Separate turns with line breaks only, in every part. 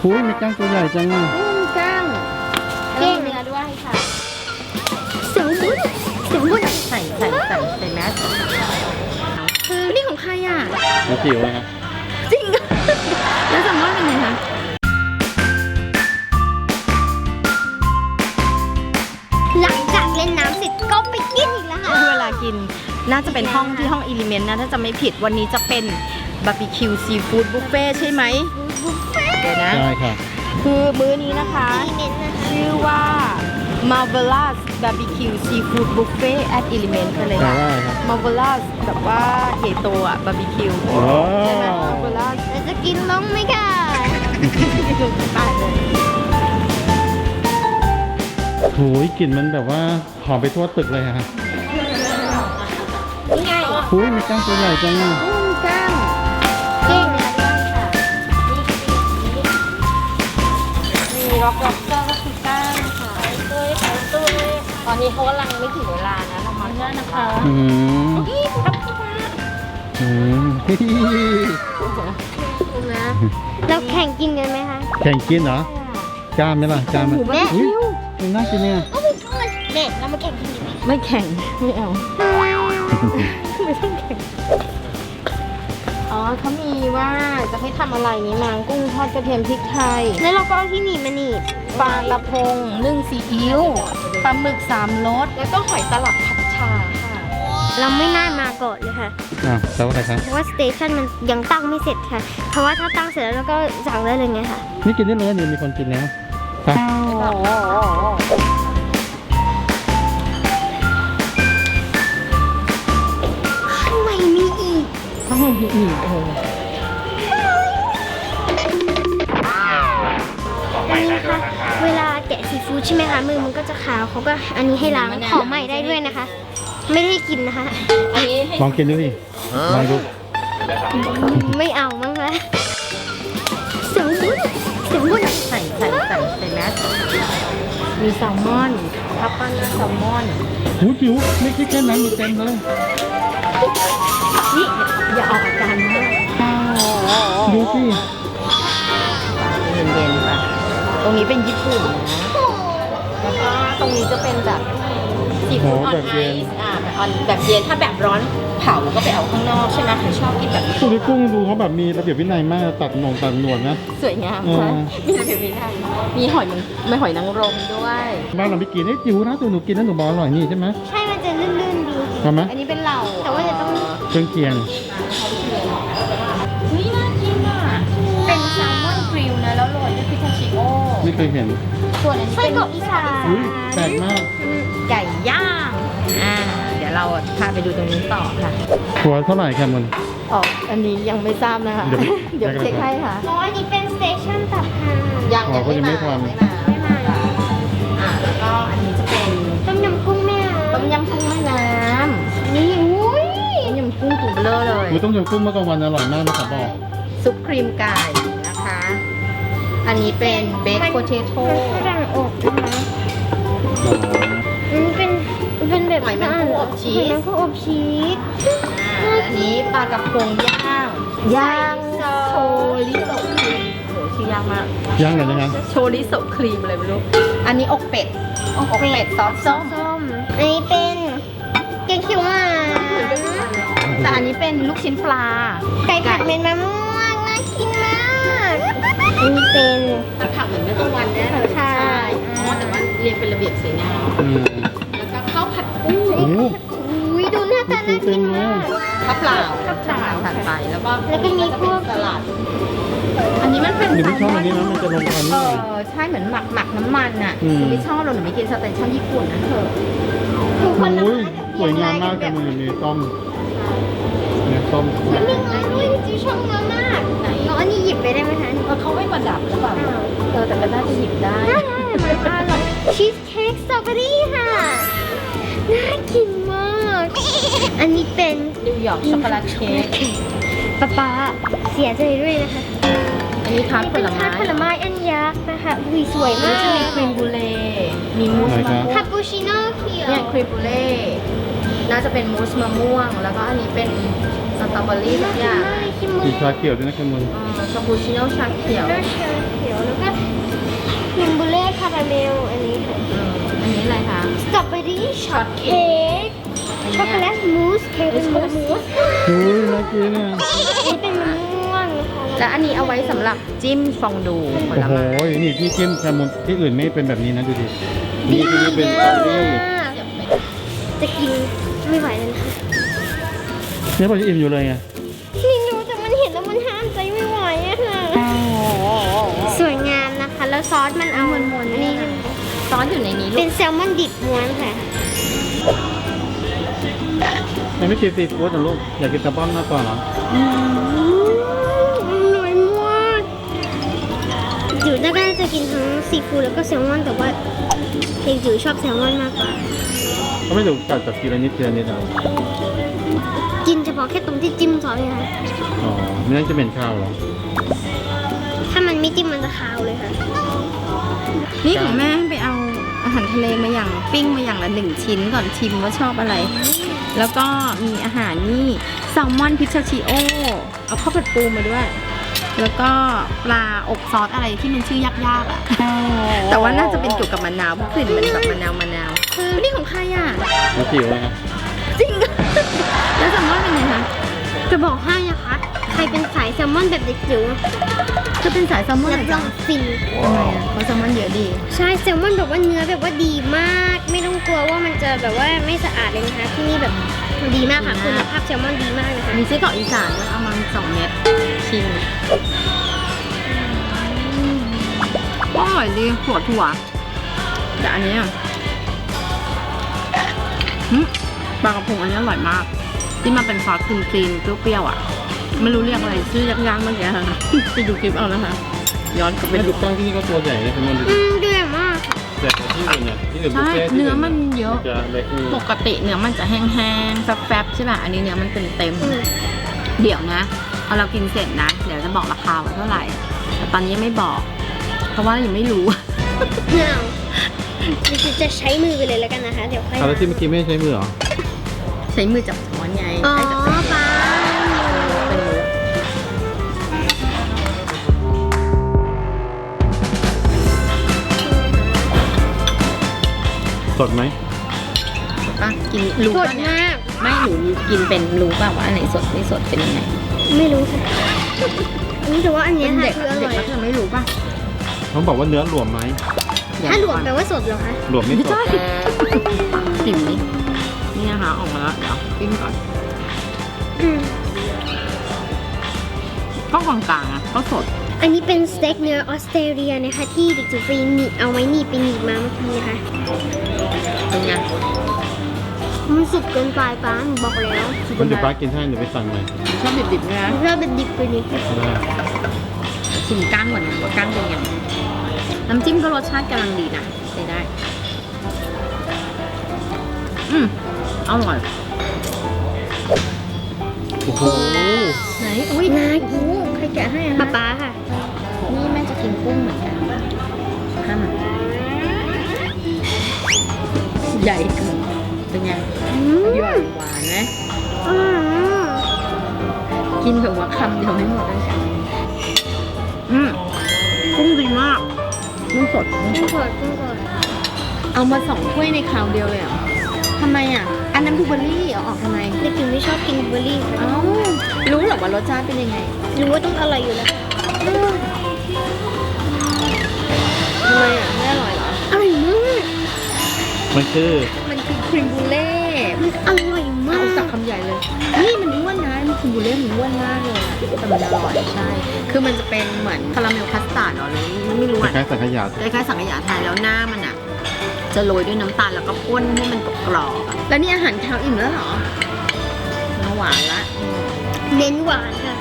อุ้ยมีก้างตัวใหญ่จังอ่ะ
ก้างเก้งเนื้อด้วยค่ะเสียงบุญใส่แมสนี่ของใครอ่ะ
มาจิ๋วอะครับ
จริงแล้วแซลมอนเป็นไงคะหลังจากเล่นน้ำเสร็จก็ไปกินอีกแล้วค่ะเวลากินน่าจะเป็นห้องที่ห้องอิลิเมนต์นะถ้าจะไม่ผิดวันนี้จะเป็นบาร์บีคิวซีฟู้ดบุฟเฟ่ใช่ไหมเดี๋ยวนะ
ใช่ค่ะ
คือมื้อนี้นะคะชื่อว่า Marvelous Barbecue Seafood Buffet at Element กันเลย
แต่
ค่ะ
ว่าอะไรครับ
Marvelous แบบว่าใหญ่โตอ่ะบาร์บีคิว
โอ้
ใช่ไหม Marvelous จะกินลงไหมค่ะไปเลย
โหยกลิ่นมันแบบว่าหอมไปทั่วตึกเลยอะค่ะ
นี่ไง
อุ้ยมีก้างตัวใหญ่จังอ่ะ
ก้างเก้งเนื้อด้วยค่ะมีล็อกเกอร์ก็คือก้างค่ะตู้ตอนนี้เขากำลังไม่ถึงเวลานะเรามาเนื่อนะคะ
อืม
นี่ครับคุณนะ
อืม
เราแข่งกินกันไหมคะ
แข่งกินเหรอ กล้ามไหมล่ะกล้ามไหม
แม่
อุ้ยมันน่ากินเนี่ย
แม่เรามาแข่งกินไหมไม่แข่งไม่เอาไม่ต้องแข่งอ๋อเขามีว่าจะให้ทำอะไรนี้มังกุ้งทอดกระเทียมพริกไทยแล้วเราก็เอาที่หนีบมาหนีบปลากระพงนึ่งซีอิ๊วปลาหมึก3 รสแล้วก็หอยตลับผัดชาค่ะเราไม่น่ามาก่อนเลยค่ะ
อ้าวแต่ว่าอะไรครับ
เพราะว่าสเตชันมันยังตั้งไม่เสร็จค่ะ เพราะว่าถ้าตั้งเสร็จแล้วเราก็สั่งได้เลยไงค่ะ
นี่กินได้เลยนี่มีคนกินแล้วไป
ข้างในมีอีก
ต้องมีอีก
อันนี้นะคะเวลาแกะซีฟู้ดใช่ไหมคะมือมันก็จะขาวเขาก็อันนี้ให้ล้างขอใหม่ได้ด้วยนะคะ ไม่ได้กินนะคะ
อันนี้ให้
ลองกินดูดิลองดู
ไม่เอามั้งคะเสียงบุญ
ใส่แมสมีแซลมอนทับปั้นด้วยแซลมอน
หูจิ๋วไม่คิดแค่นั้นมีเต็มเลย
นี่อย่าออกอาการมาก
ดูสิ
เย็นๆค่ะตรงนี้เป็นญี่ปุ่นนะแล้วก็ตรงนี้จะเป็นแบบซีฟู้ดออนไอซ์แบบเย็นถ้าแบบร้อนเผาก็ไปเอาข้างนอกใช่ไหมใครชอบกินแบบนี้
กุ้งกุ้งดูเขาแบบมีระเบียบวินัยมากตัดหนวดนะ
สวยงามค่ะมีระเบียบวินัยมีหอยนางรมด้วย
บ้านเราไม่กินไอ้จิ๋วนะตัวหนูกินแล้วหนูบอกอร่อยนี่ใช่ไหม
ใช่มันจะลื่นๆดี
ทำไหม
อันนี้เป็นเหล่า
แต่ว่าจะต้อง
เครื่องเคียง
เฮ้ยน่ากินอ่ะเป็นแซลมอนกริลนะแล้วโรยด้วยพิทาชิโอ
ไม่เคยเห็น
ส่วนอันนี้
ไส้
เป็น
กรอกอีสาน
อุ้ยแปลกมาก
ไก่ย่างเดี๋ยวเราพาไปดูตรงนี้ต่อค่ะ
หัวเท่าไหร่ครับมัน
อ๋ออันนี้ยังไม่ทราบนะคะ
เดี๋ยว
เดี๋ยวเช็คให้ค่ะ
อ๋ออันนี้เป็นสเตชันตับห่าน
ยังไม่มาแล้วก็อันนี้จะเป็น
ต้มยำกุ้งแม่
ต้มยำกุ้งแม่น้
นี่อุ้ย
ำต้มยำกุ้งตุ๋นเบลอเลย
คือต้มยำกุ้งเมื่อกลางวันอร่อยมากนะครับบอก
ซุปครีมไก่นะคะ อันนี้เป็นเบคโพเทโต้
ฝรั่งอบนะคะอันนี้เป็นแบบ
หอยแมงผู้อบชี
หอยแม
ส
งผู้อบชีส
อันนี้ปลากระพงย่างโชริโซครีมโหชื่อยากมาก
ย่างหน่อยนะครับ
โชริโซครีมอะไรไม่รู้ อันนี้อกเป็ดซอสส้ม
ส้มอันนี้เป็นแกงเขียวหวาน
แต่อันนี้เป็นลูกชิ้นปลา
ไก่ผัดเม็ดมะม่วงน่ากินมากอันนี้เป็น
ผักเหมือนเมื่อกลางวันแน่เลย
ใช่
อ๋อแต่ว่าเรียงเป็นระเบียบสวยงาม
อืม
แล้วก็ข้าวผัดกุ้ง
โอ้โห
อุ้ยดูหน้าตาน่ากินมาก
ข้าวเปล่าผัดไปแล้วก็
แล้วก็มีพวก
สลัด อันนี้มันเป็น
หนูไม่ชอบอันนี้นะมันจะลงควันนิดหน่อย
ใช่เหมือนหมักน้ำมันอ่ะ
อืม
หนูไม่ชอบหนูไม่กินสเตชันญี่ปุ่นนะเธอ
ถูกคนละ
โอ้ย
ไม้
สวยงามมากจังเลยมีต้มเนี่ยต้ม
มันมีเงินด้วยจิ๊วชอบเงินมาก
ไหน
น้องอันนี้หยิบไปได้ไหมคะ
เขาไม่ประดับหรือเปล่าแต่ก็น่าจะหยิบได้
ได้มันอร่อยชีสเค้กสตรอเบอรี่ค่ะ น่ากินมาก อันนี้เป็น
นิวยอร์กช็อกโกแลตเค้ก
ป๊าเสียใจด้วยนะคะ
อันนี้ทาร์ตผลไม้
ทาร์ตผลไม้อันยักษ์นะคะอุ้ยสวย
แล้
มาว ก
จะมีครีมบูเล่มีมูสมะม่ว
คาง ปูชิโน่เขียว
เนี่ยครีมบูเล่น่าจะเป็นมูสมะม่วง แล้วก็อันนี้เป็นสตรอเบอรี่ทุกอย่าง
คิมมู
มีชาเขียวด้วยนะคุณมึง
คาปูชิโน่ชาเขียว
น่าชาเขียวแล้วก็ราเมลอันนี้ค่ะ
อันนี้อะไรคะ
สตรอเบอรี่ช็อตเค้กช็อกโกแลตมูสเค้กเป็นมูส
อุ้ยน่ากินอ่ะ
อันนี้เป็นมะม่วงนะคะ
และอันนี้เอาไว้สำหรับจิ้มฟองดูผ
โอ้
ล
โห
ไม้
นี่ที่จิ้มแซลมอนที่อื่นไม่เป็นแบบนี้นะดูดินี่ที่นี่เป็นสตรอเบอรี่
จะกินไม่ไหวเลยนะคะ
เนี่ยพอจะอิ่มอยู่เลยไง
นี่รู้แต่มันเห็นแล้วมันห้ามใจไม่ไหวอะค่ะสวยงามนะคะ แล้วซอสมันเอามวนๆนี่
ซอสอยู่ในนี้ลู
เป็
ก
นแซลมอนดิบม้วนค่ะ
ยังไม่กินซีฟู้ดนะลูกอยากกินแซลมอนมากกว่าเหรอ
อร่อยมากจิ๋วน่าจะกินทั้งซีฟู้ดแล้วก็แซลมอนแต่ว่าเด็กจิ๋วชอบแซลมอนมากกว่า
เขาไม่ถูกกัดแบบทีละนิดทีละนิดอ่ะ
กินเฉพาะแค่ตรงที่จิ้มซอสเลยค่ะ
อ๋อไม่งั้นจะเหม็นข้าวเหรอ
ถ้ามันไม่จิ้มมันจะคาวเลยค่ะ
นี่ของแม่ไปเอาอาหารทะเลมาอย่างปิ้งมาอย่างละ1 ชิ้นก่อนชิมว่าชอบอะไร แล้วก็มีอาหารนี่แซลมอนพิชชิโอเอาข้าวผัดปูมาด้วย แล้วก็ปลาอบซอสอะไรที่มันชื่อยากๆอ่ะ แต่ว่าน่าจะเป็นเกี่ยวกับมะนาวเพราะกลิ่นมันแบบมะนาวคือนี่ของใครอ่ะ
แล้วจิ๋วเลยครับ
จริง แล้วแซลมอนเป็นไงคะ
จะบอกให้นะคะ ใครเป็นสายแซลมอนแบบเด็กจิ๋ว
คือเป็นสายแซลมอน
รับรองฟิน
ทำไมอ่ะเพราะแซลมอนเยอะดี
ใช่แซลมอนแบบว่าเนื้อแบบว่าดีมาก ไม่ต้องกลัวว่ามันจะแบบว่าไม่สะอาดเลยนะคะที่นี่แบบดีมากค่ะคุณภาพแซลมอนดีมากนะคะ
มีไส้กรอกอีสานด้วยเอามา2 เม็ดชิมอร่อยดีถั่วแต่อันเนี้ยปลากระพงอันนี้อร่อยมาก ที่มันเป็นซอสครีมๆเปรี้ยวๆอ่ะ ไม่รู้เรียกอะไรชื่อยากๆเมื่อกี้ค่ะ ไปดูคลิปเอานะคะ ย้อนกลับไป
ไม่
ดู
ถูกต้องที่นี่ก็ตัวใหญ่เลยแซลมอนดูดิ
ดีมาก
แต่ที่อื่นเนี่ยที่อื่นบุฟ
ใช่
เฟ่ต์ที่
เนื้อมันเยอะ
จะเล็กนี่
ปกติเนื้อมันจะแห้งๆแฟบๆใช่ป่ะ อันนี้เนื้อมันเต็มๆเดี๋ยวนะพอเรากินเสร็จนะ เดี๋ยวจะบอกราคาว่าเท่าไหร่ แต่ตอนนี้ยังไม่บอก เพราะว่ายังไม่รู้
เนื้อจะใช้มือไปเลยแล้วกันนะคะ เดี๋ยวค่อย
เอาแล้วที่เมื่อกี้ไม่ได้ใช้มือเหรอ
ใช้มือจับช้อนไง
อ๋อ
ให้จับ
ปลา
เป็นมือ
สดไหม
ป่ะกินรู้
สด
ป่ะเนี่ย
มาก
ไม่หนูกินเป็นรู้ป่ะว่าอันไหนสดไม่สดเป็นยังไง
ไม่รู้ค่ะแต่ว่าอันเนี้ย
เป็น
ค่ะ
เด็ก
คืออ
เด็
ร่
ก
อย
ก็จะไม่รู้ป่ะ
เขาบอกว่าเนื้อหลวมไหม
ถ้าหลวมแปลว่าสดเหรอคะ
หลวมไม่
ไม่
ส
ใช่
ด
จิ๋มนี่นี่นะคะออกมาแล้วเดี๋ยวกินก่อน
อืม
ก็กลางๆอ่ะก็สด
อันนี้เป็นสเต็กเนื้อออสเตรเลียนะคะที่เด็กจิ๋วไปหนีบเอาไว้หนีบไปหนีบมาเมื่อกี้นะคะ
เป็นไง
มันสุกเกินไปป้าหนูบอกแล้ว
คุณจะป้ากินให้หรือไปสั่งไหม
ชอบดิบๆนะ
เราเป็นดิบไปนิด
ได้
ชิมก้างก่อนนะว่าก้างเป็นยังไงน้ำจิ้มก็รสชาติกำลังดีนะใช้ได้อร่อย
โอ้โห
ไหนอุ้ย
น่ากิน
ใครแกะให้อะ
ป๊า
คะ
ป๊าค่ะ
นี่แม่จะกินกุ้งเหมือนกันข้ามใหญ่เกินเป็นไงหย่อนหวานไหม
อืม
กินแบบว่าคำเดียวไม่หมดเลยกุ้งดีมากกุ้งสด
กุ้งสดกุ้งสด
เอามา2 ถ้วยในคราวเดียวเลยเหรอทำไมอ่ะ อันนั้นบลูเบอร์รี่เอาออกทำไม
เด็กจิ๋วไม่ชอบกินบลูเบอร์รี่ค่ะ
เอ้ารู้เหรอว่ารสชาติเป็นยังไง
รู้ว่าต้องอร่อยอยู่แล้ว
ทำไมอ่ะไม่อร่อยเหรอ
อร่อยมาก
มันคือ
มันคือครีมบูเล่
มันอร่อยมา
เอา
ก
สักคำใหญ่เลย นี่มันอ้วนนะมันครีมบูเล่มันอ้วนมากเลยอะแต่มันอร่อยใช่ คือมันจะเป็นเหมือนคาราเมลคัสตาร์ดเหรอหรือไม่รู้
ค
อ่ะ
ล้ายๆสังขยา
คล้ายๆสังขยาไทยแล้วหน้ามันอ่ะ จะโรยด้วยน้ำตาลแล้วก็ป้นให้มันกรอบๆอะแล้วนี่อาหารเช้าอิ่มแล้วเหรอมาหวานละ
เน้นหวานค่ะ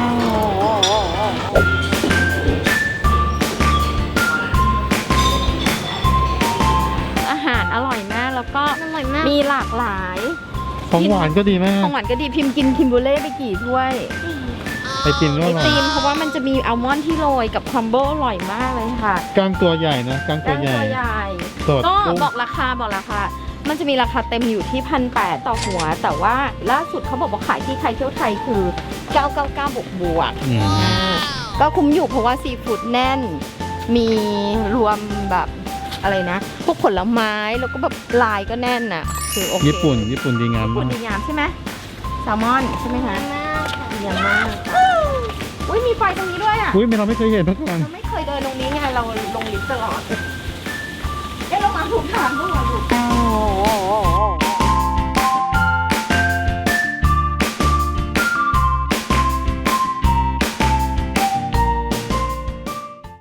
อาหารอร่อยมากแล้วก็
อร่อยมาก
มีหลากหลาย
ของหวานก็ดีมาก
ของหวานก็ดีพิมพ์กินคิมบูเล่ไปกี่ถ้วย
ไอติมก็
ไอ
อร่อย
ติมเพราะว่ามันจะมีอัลมอนด์ที่โรยกับครัมเบิลอร่อยมากเลยค่ะ
กล้างตัวใหญ่นะกล้างตัวใหญ่
ใหญ่
สด
ก็
กุ้ง
บอกราคามันจะมีราคาเต็มอยู่ที่ 1,800 ต่อหัว แต่ว่าล่าสุดเขาบอกว่าขายที่ใครเที่ยวไทยคือ 999 บวก
อืม
ก็คุ้มอยู่เพราะว่าซีฟู้ดแน่น มีรวมแบบอะไรนะพวกผลไม้แล้วก็แบบลายก็แน่นน่ะคือโอเค
ญี่ปุ่นดีงาม
ญี่ปุ่
มานก
ดีงามใช่ไหมแซลมอนใช่ไหมคะ
มากค่ะ
ดีงามมากค่ะอุ้ยมีไฟตรงนี้ด้วยอ่ะ
อุ้ยเราไม่เคยเห็นมาก่อน
เราไม่เคยเดินตรงนี้ไงเราลงลิฟต์ตลอดเอ๊ะเรามาถูกทางด้วยถูก